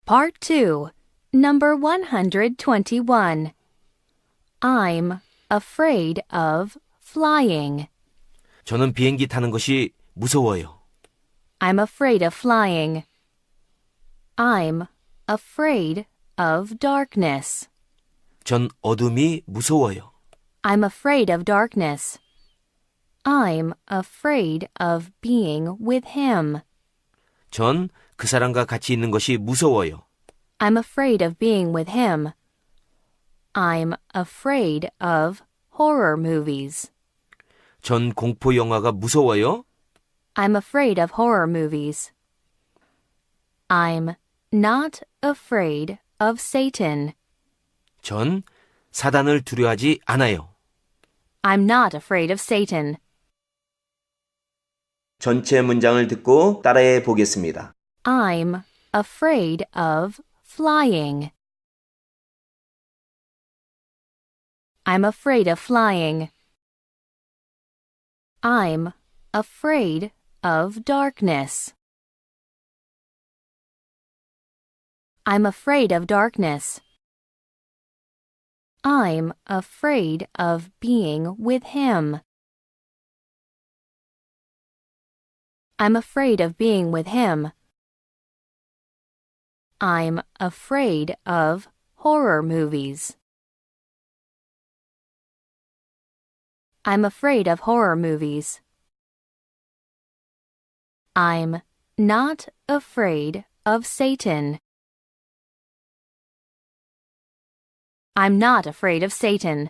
Part 2, number 121. I'm afraid of flying. 저는 비행기 타는 것이 무서워요. I'm afraid of flying. I'm afraid of darkness. 전 어둠이 무서워요. I'm afraid of darkness. I'm afraid of being with him. 전 그 사람과 같이 있는 것이 무서워요. I'm afraid of being with him. I'm afraid of horror movies. 전 공포 영화가 무서워요. I'm afraid of horror movies. I'm not afraid of Satan. 전 사단을 두려워하지 않아요. I'm not afraid of Satan. 전체 문장을 듣고 따라해 보겠습니다. I'm afraid of flying. I'm afraid of flying. I'm afraid of darkness. I'm afraid of darkness. I'm afraid of being with him. I'm afraid of being with him. I'm afraid of horror movies. I'm afraid of horror movies. I'm not afraid of Satan. I'm not afraid of Satan.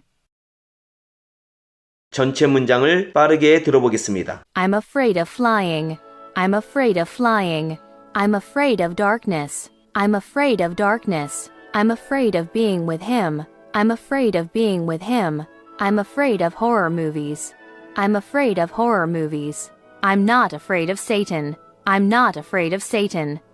전체 문장을 빠르게 들어보겠습니다. I'm afraid of flying. I'm afraid of flying. I'm afraid of darkness. I'm afraid of darkness. I'm afraid of being with him. I'm afraid of being with him. I'm afraid of horror movies. I'm afraid of horror movies. I'm not afraid of Satan. I'm not afraid of Satan.